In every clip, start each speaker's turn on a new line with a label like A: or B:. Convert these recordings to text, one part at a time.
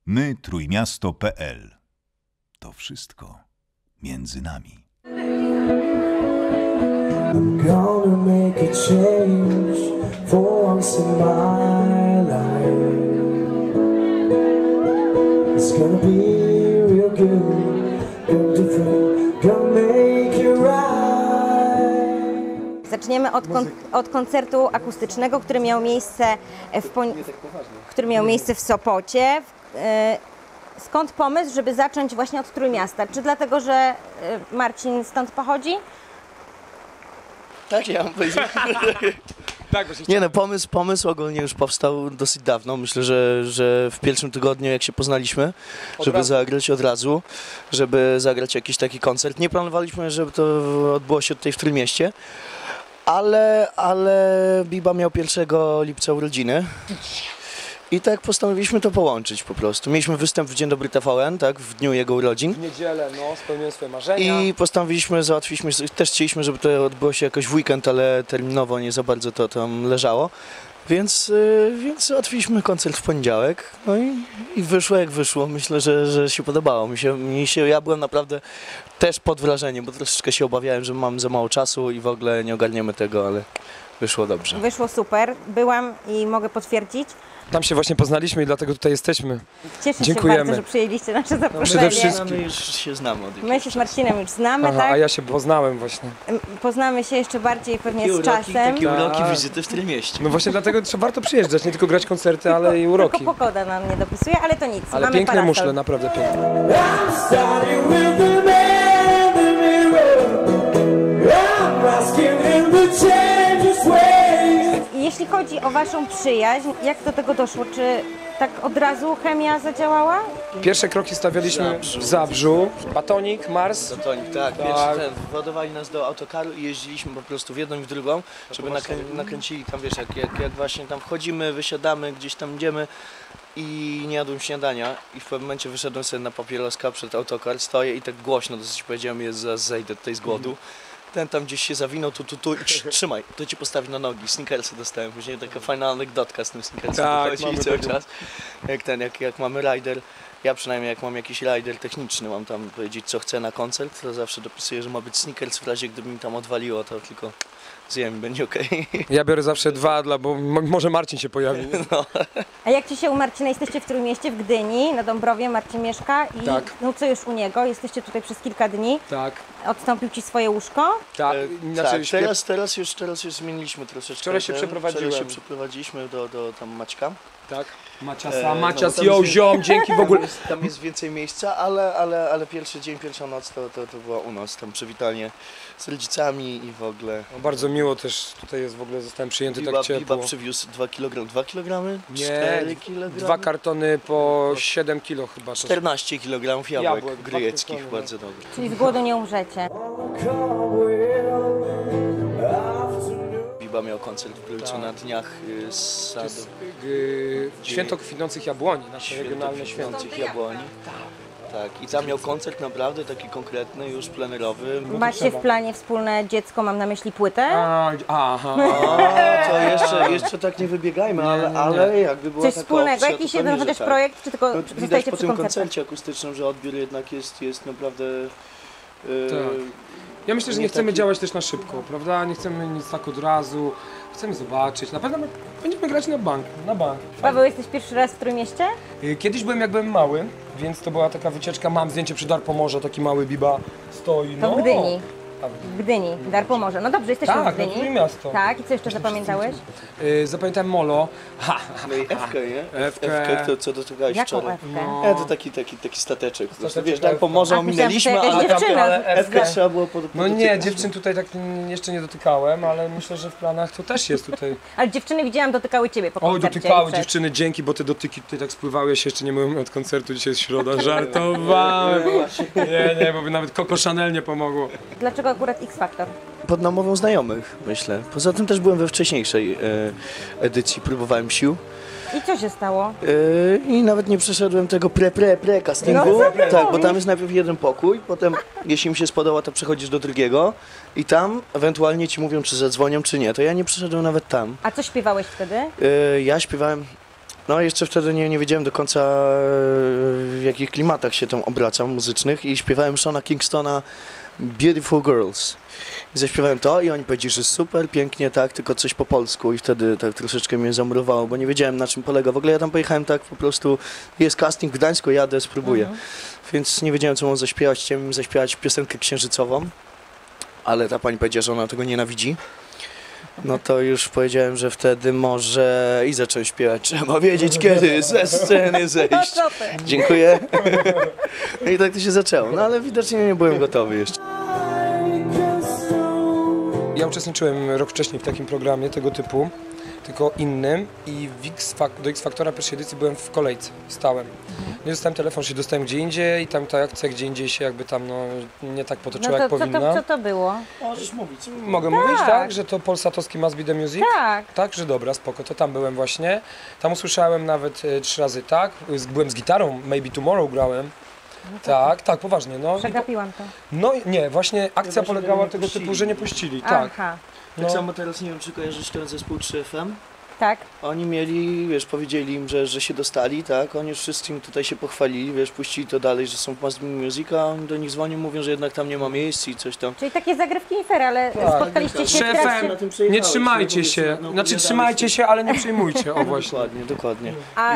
A: My Trójmiasto.pl. To wszystko między nami.
B: I'm gonna make a change for once in my life. It's gonna be real good, good different, gonna make it right.
C: Zaczniemy od koncertu akustycznego, który miał miejsce w Sopocie. Skąd pomysł, żeby zacząć właśnie od Trójmiasta? Czy dlatego, że Marcin stąd pochodzi?
D: Tak, ja mam powiedzieć. Nie no, pomysł ogólnie już powstał dosyć dawno. Myślę, że w pierwszym tygodniu, jak się poznaliśmy, żeby zagrać od razu, żeby zagrać jakiś taki koncert. Nie planowaliśmy, żeby to odbyło się tutaj w Trójmieście, ale Biba miał 1 lipca urodziny. I tak postanowiliśmy to połączyć po prostu. Mieliśmy występ w Dzień Dobry TVN, tak, w dniu jego urodzin.
E: W niedzielę, no, spełniłem swoje marzenia.
D: I postanowiliśmy, załatwiliśmy, też chcieliśmy, żeby to odbyło się jakoś w weekend, ale terminowo nie za bardzo to tam leżało. Więc załatwiliśmy koncert w poniedziałek, no i wyszło jak wyszło. Myślę, że się podobało. Ja byłem naprawdę też pod wrażeniem, bo troszeczkę się obawiałem, że mam za mało czasu i w ogóle nie ogarniemy tego, ale wyszło dobrze.
C: Wyszło super. Byłam i mogę potwierdzić.
E: Tam się właśnie poznaliśmy i dlatego tutaj jesteśmy.
C: Cieszę
E: Dziękujemy.
C: się bardzo, że przyjęliście nasze zaproszenie.
E: Przede wszystkim.
D: My już się znamy od
C: My się z Marcinem już znamy,
E: Aha,
C: tak?
E: a ja się poznałem właśnie.
C: Poznamy się jeszcze bardziej pewnie z czasem.
D: Takie uroki
E: Tak.
D: wizyty w Trójmieście.
E: No właśnie dlatego warto przyjeżdżać, nie tylko grać koncerty, ale i uroki.
C: Tylko pogoda nam nie dopisuje, ale to nic.
E: Ale
C: mamy
E: piękne
C: parasol.
E: muszle, naprawdę piękne.
B: I'm starting with the man in the mirror. I'm asking him to change his ways.
C: Jeśli chodzi o waszą przyjaźń, jak do tego doszło? Czy tak od razu chemia zadziałała?
E: Pierwsze kroki stawialiśmy w Zabrzu. Batonik, Mars.
D: Batonik, tak. Pierwszy władowali nas do autokaru i jeździliśmy po prostu w jedną i w drugą, żeby nakręcili tam, wiesz, jak właśnie tam wchodzimy, wysiadamy, gdzieś tam idziemy i nie jadłem śniadania i w pewnym momencie wyszedłem sobie na papieroska przed autokar, stoję i tak głośno dosyć powiedziałem, zaraz zejdę tutaj z głodu. Ten tam gdzieś się zawinął, tu i trzymaj, to ci postawi na nogi. Snickersy dostałem, później taka fajna anegdotka z tym Snickersem wychodzi cały czas. Jak mamy rider, ja przynajmniej jak mam jakiś rider techniczny, mam tam powiedzieć co chcę na koncert, to zawsze dopisuję, że ma być Snickers, w razie gdyby mi tam odwaliło, to tylko zjem i będzie okej.
E: Ja biorę zawsze 2, bo może Marcin się pojawi.
D: No.
C: A jak ci się u Marcina? Jesteście w Trójmieście, w Gdyni, na Dąbrowie, Marcin mieszka i
E: Tak.
C: no co już u niego? Jesteście tutaj przez kilka dni.
E: Tak,
C: Odstąpił ci swoje łóżko?
E: tak.
D: Tak, teraz już zmieniliśmy troszeczkę.
E: Wczoraj się przeprowadziłem.
D: Wczoraj się przeprowadziliśmy do tam Maćka.
E: Tak. Macias,
D: tam
E: jo,
D: jest-
E: ziom, dzięki w ogóle.
D: Tam jest więcej miejsca, ale pierwszy dzień, pierwsza noc to była u nas, tam przywitanie z rodzicami i w ogóle.
E: No, bardzo miło też tutaj jest, w ogóle zostałem przyjęty tak
D: Biba
E: ciepło.
D: przywiózł 2 kg, 2 kg?
E: Nie,
D: 4 kg?
E: 2 kartony po 7 kilo chyba. To
D: 14 kg
E: Jabłek,
D: jabłek
E: 2
D: grejeckich,
E: kartony,
D: bardzo dobre.
C: Czyli z głodu nie umrzecie.
D: Biba miał koncert w Grójcu na dniach sadu.
E: Święto kwitnących jabłoni, nasze regionalne święto.
D: Kwitnących jabłoni. Tak, i tam miał koncert naprawdę taki konkretny, już plenerowy.
C: Macie w planie wspólne dziecko, mam na myśli płytę?
E: Aha.
D: To jeszcze tak nie wybiegajmy, ale jakby była
C: Coś
D: taka
C: wspólnego,
D: opcja,
C: jakiś
D: to
C: jeden
D: pewnie,
C: chociaż
D: że tak.
C: projekt, czy tylko
D: No, widać
C: zostajecie
D: po
C: przy
D: tym
C: koncercie?
D: koncercie akustycznym, że odbiór jednak jest naprawdę...
E: Tak. Ja myślę, że nie chcemy działać też na szybko, prawda? Nie chcemy nic tak od razu, chcemy zobaczyć. Na pewno będziemy grać na bank,
C: Paweł, jesteś pierwszy raz w Trójmieście?
E: Kiedyś byłem jak byłem mały, więc to była taka wycieczka, mam zdjęcie przy Darpomorze, taki mały Biba stoi.
C: To w Gdyni.
E: Tak.
C: W Gdyni, Darpomorze. No dobrze, jesteśmy
E: Tak,
C: w
E: na
C: Gdyni.
E: Trójmiasto.
C: Tak, i co jeszcze zapamiętałeś?
E: Zapamiętałem Molo.
D: No i Ewkę, nie?
E: Ewkę.
D: Ewkę, to co dotykałeś
C: Jaką
D: wczoraj.
C: Ewkę?
D: To taki stateczek. Po prostu,
E: Stateczek
D: wiesz, tak po morzu
C: A, myślałam, że
D: ominęliśmy,
C: to jakaś
D: ale
C: dziewczyna.
D: Ewkę trzeba było
E: No nie, dziewczyn tutaj tak jeszcze nie dotykałem, ale myślę, że w planach to też jest tutaj.
C: Ale dziewczyny widziałam, dotykały ciebie po
E: Oj,
C: koncercie.
E: dotykały
C: przed.
E: dziewczyny, dzięki, bo te dotyki tutaj tak spływały, się jeszcze nie myłem od koncertu, dzisiaj jest środa, żartowałem. Nie, bo by nawet Coco Chanel nie pomogło.
C: Dlaczego akurat X Factor?
D: pod namową znajomych, myślę. Poza tym też byłem we wcześniejszej edycji, próbowałem sił.
C: I co się stało?
D: I nawet nie przeszedłem tego castingu.
C: No, co ty
D: tak, bo
C: mówisz?
D: tam jest najpierw jeden pokój, potem jeśli mi się spodoba, to przechodzisz do drugiego i tam ewentualnie ci mówią, czy zadzwonią, czy nie. To ja nie przeszedłem nawet tam.
C: A co śpiewałeś wtedy?
D: Ja śpiewałem No jeszcze wtedy nie wiedziałem do końca w jakich klimatach się tam obracam muzycznych i śpiewałem Shona Kingstona Beautiful Girls. I zaśpiewałem to i oni powiedzieli, że super, pięknie, tak, tylko coś po polsku i wtedy tak troszeczkę mnie zamurowało, bo nie wiedziałem na czym polega. W ogóle ja tam pojechałem tak po prostu, jest casting w Gdańsku, jadę, spróbuję. Więc nie wiedziałem co mam zaśpiewać, chciałem im zaśpiewać piosenkę księżycową, ale ta pani powiedziała, że ona tego nienawidzi. No to już powiedziałem, że wtedy może i zacząłem śpiewać. Trzeba wiedzieć kiedy ze sceny zejść.
C: Co ty?
D: Dziękuję. No i tak to się zaczęło. No ale widocznie nie byłem gotowy jeszcze.
E: Ja uczestniczyłem rok wcześniej w takim programie tego typu, tylko innym i do X Factora pierwszej edycji byłem w kolejce, stałem. Nie dostałem telefon, się dostałem gdzie indziej i tam ta akcja gdzie indziej się jakby tam no, nie tak potoczyła
C: No
E: jak
C: to
E: powinna.
C: co to było?
D: Możesz mówić.
E: Mogę mówić, tak? Że to polsatowski Must Be The Music?
C: Tak.
E: Tak, że dobra, spoko, to tam byłem właśnie. Tam usłyszałem nawet 3 razy tak, byłem z gitarą, Maybe Tomorrow grałem. Tak, poważnie, no.
C: Przegapiłam to.
E: No nie, właśnie akcja
D: właśnie
E: polegała
D: nie
E: tego
D: puścili.
E: typu, że nie puścili, tak.
C: Aha,
D: Tak
E: No.
D: samo teraz nie wiem, czy kojarzysz ten zespół 3FM.
C: tak.
D: Oni mieli, wiesz, powiedzieli im, że się dostali, tak? Oni już wszystkim tutaj się pochwalili, wiesz, puścili to dalej, że są w Must Be Music, a oni do nich dzwonią, mówią, że jednak tam nie ma miejsc i coś tam.
C: Czyli takie zagrywki nie fair, ale spotkaliście się w
E: Szefem,
C: trakcie...
D: Na tym
E: nie
D: przejechałeś,
E: trzymajcie
D: no,
E: się,
D: no,
E: znaczy
D: opowiadałeś
E: trzymajcie się, ale nie przejmujcie, o właśnie.
D: Dokładnie.
C: A,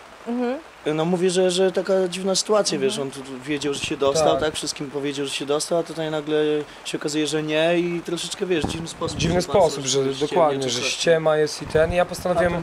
D: No mówię, że taka dziwna sytuacja, wiesz, on tu wiedział, że się dostał,
E: Tak.
D: tak, wszystkim powiedział, że się dostał, a tutaj nagle się okazuje, że nie i troszeczkę, wiesz, dziwny sposób.
E: Dziwny sposób, że dokładnie, że ściema jest i ten. I ja postanowiłem,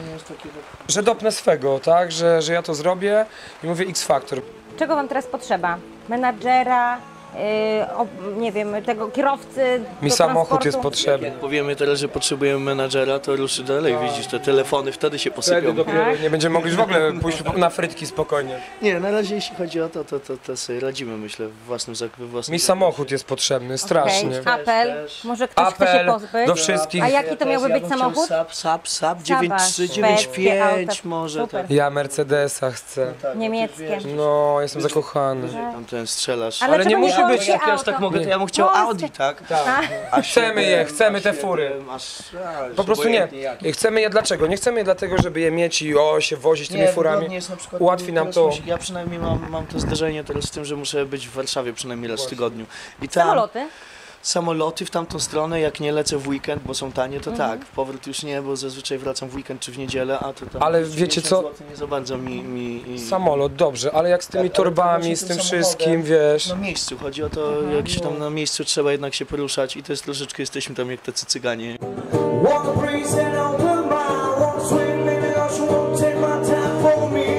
E: że dopnę swego, tak, że ja to zrobię i mówię X Factor.
C: czego wam teraz potrzeba? Menadżera, nie wiem, tego kierowcy
E: Mi
C: do
E: samochód
C: transportu?
E: jest potrzebny.
D: Jak powiemy teraz, że potrzebujemy menadżera, to ruszy dalej, widzisz, te telefony wtedy się
E: Wtedy
D: posypią.
E: dopiero
C: Tak.
E: nie będziemy mogli już w ogóle pójść na frytki spokojnie.
D: Nie, na razie jeśli chodzi o to sobie radzimy, myślę, we własnym
E: Mi samochód jest potrzebny, strasznie.
C: Okej, apel,
D: Też.
C: może ktoś chce się
E: Apel
C: pozbyć?
E: do wszystkich.
C: A jaki to miałby być
D: bym chciał
C: samochód?
D: Saab
C: szwedzkie
D: 9395
C: auta.
D: może,
C: Super.
D: tak.
E: Ja Mercedesa chcę.
D: Tak,
C: Niemieckie.
D: wiesz,
E: No, jestem zakochany.
D: tam ten strzelasz.
E: Ale
C: czego
E: nie musi
C: polskie
E: być-
D: Jak ja aż
C: auto?
D: tak mogę, to ja bym chciał
C: Polskie.
D: Audi, tak?
E: Tak. Chcemy je, chcemy te fury. Po prostu nie. Chcemy je dlaczego? Nie chcemy je dlatego, żeby je mieć i się wozić tymi furami.
D: wygodnie jest na przykład,
E: Ułatwi nam
D: teraz
E: to.
D: Ja przynajmniej mam to zdarzenie teraz z tym, że muszę być w Warszawie przynajmniej raz w tygodniu. I tam
C: Samoloty?
D: w tamtą stronę, jak nie lecę w weekend, bo są tanie, to tak. Powrót już nie, bo zazwyczaj wracam w weekend czy w niedzielę, a to tam...
E: Ale
D: 30
E: wiecie co?
D: złotych nie za bardzo mi...
E: Samolot, dobrze, ale jak z tymi
D: Tak, ale
E: torbami,
D: właśnie
E: z
D: tym
E: tym
D: samochodem,
E: wszystkim, wiesz.
D: Na miejscu, chodzi o to, jak się tam na miejscu trzeba jednak się poruszać i to jest troszeczkę, jesteśmy tam jak tacy cyganie.
B: Walk a breeze and open mind. Walk swing in the ocean, won't take my time for me.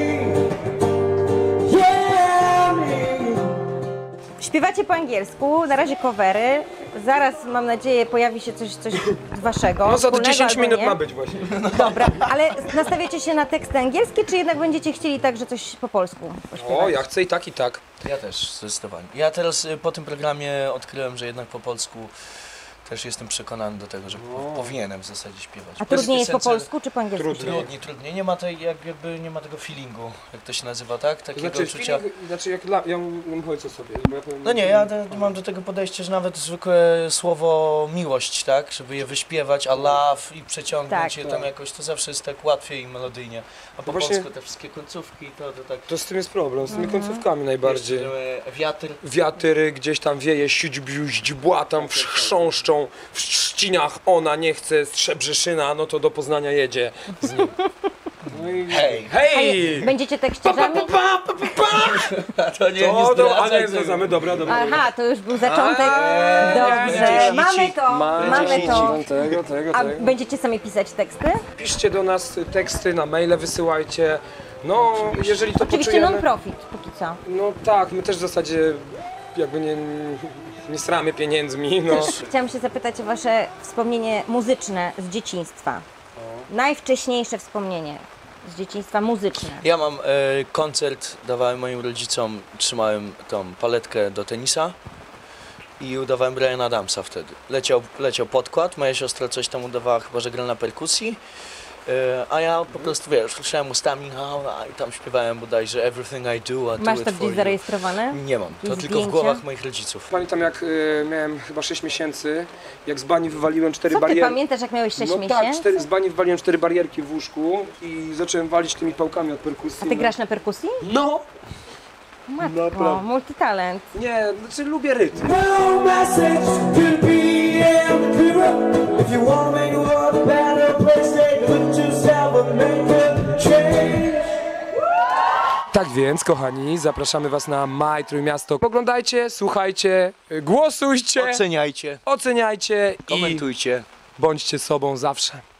B: Yeah, me.
C: Śpiewacie po angielsku, na razie covery. Zaraz, mam nadzieję, pojawi się coś waszego.
E: No za
C: wspólnego
E: 10
C: albo
E: minut
C: nie.
E: ma być właśnie.
C: Dobra, ale nastawiacie się na teksty angielskie, czy jednak będziecie chcieli także coś po polsku pośpiewać?
E: O, ja chcę i tak, i tak.
D: Ja też, zdecydowanie. Ja teraz po tym programie odkryłem, że jednak po polsku też jestem przekonany do tego, że powinienem w zasadzie śpiewać.
C: A
D: Bo
C: trudniej jest po
D: piosence-
C: polsku, czy po angielsku?
D: Trudniej. Nie ma jakby nie ma tego feelingu, jak to się nazywa, tak? Takiego
E: Znaczy,
D: uczucia.
E: ja mówię co sobie. Bo ja powiem,
D: No nie, ja mam do tego podejście, że nawet zwykłe słowo miłość, tak? Żeby je wyśpiewać, a love i przeciągnąć
C: Tak.
D: je tam jakoś, to zawsze jest tak łatwiej i melodyjnie. A po
E: właśnie-
D: polsku te wszystkie końcówki, to tak...
E: To z tym jest problem, z tymi końcówkami najbardziej.
D: Jeszcze, wiatr.
E: Wiatry gdzieś tam wieje, źdźbła tam chrząszczą, w trzcinach ona nie chce, Strzebrzeszyna, no to do Poznania jedzie z nim. No i...
D: Hej!
E: Hej!
C: Będziecie tekściarzami?
D: To nie,
E: A nie zdradzamy, dobra.
C: Aha, to już był zaczątek.
E: będzie
C: Dobrze,
E: sici.
C: mamy to, mamy to.
E: Tego.
C: A będziecie sami pisać teksty?
E: Piszcie do nas teksty, na maile wysyłajcie. No, jeżeli to
C: Oczywiście
E: poczujemy...
C: non-profit, póki co.
E: No tak, my też w zasadzie jakby nie stramy pieniędzmi, no.
C: Chciałam się zapytać o wasze wspomnienie muzyczne z dzieciństwa. Najwcześniejsze wspomnienie z dzieciństwa muzyczne.
D: Ja mam koncert, dawałem moim rodzicom, trzymałem tą paletkę do tenisa i udawałem Briana Adamsa wtedy. Leciał podkład, moja siostra coś tam udawała, chyba że gra na perkusji A ja po prostu, wiesz, słyszałem ustami i tam śpiewałem bodajże Everything I do, I do
C: Masz
D: it
C: to
D: for
C: gdzieś
D: you.
C: zarejestrowane?
D: Nie mam, to
C: Jakieś
D: tylko w
C: zdjęcia?
D: głowach moich rodziców.
E: Pamiętam jak miałem chyba 6 miesięcy, jak z bani wywaliłem 4
C: Co ty
E: barierki.
C: pamiętasz, jak miałeś 6
E: No
C: miesięcy?
E: tak, z bani wywaliłem 4 barierki w łóżku i zacząłem walić tymi pałkami od perkusji.
C: A ty grasz na perkusji?
E: No!
C: Matko,
E: Naprawdę.
C: multitalent.
E: Nie, znaczy lubię rytm.
B: No message could be accurate. If you wanna make the world a better place, take a look at yourself and make a change.
E: Tak więc, kochani, zapraszamy was na Maj Trójmiasto. Oglądajcie, słuchajcie, głosujcie,
D: Oceniajcie,
E: oceniajcie i
D: komentujcie.
E: bądźcie sobą zawsze.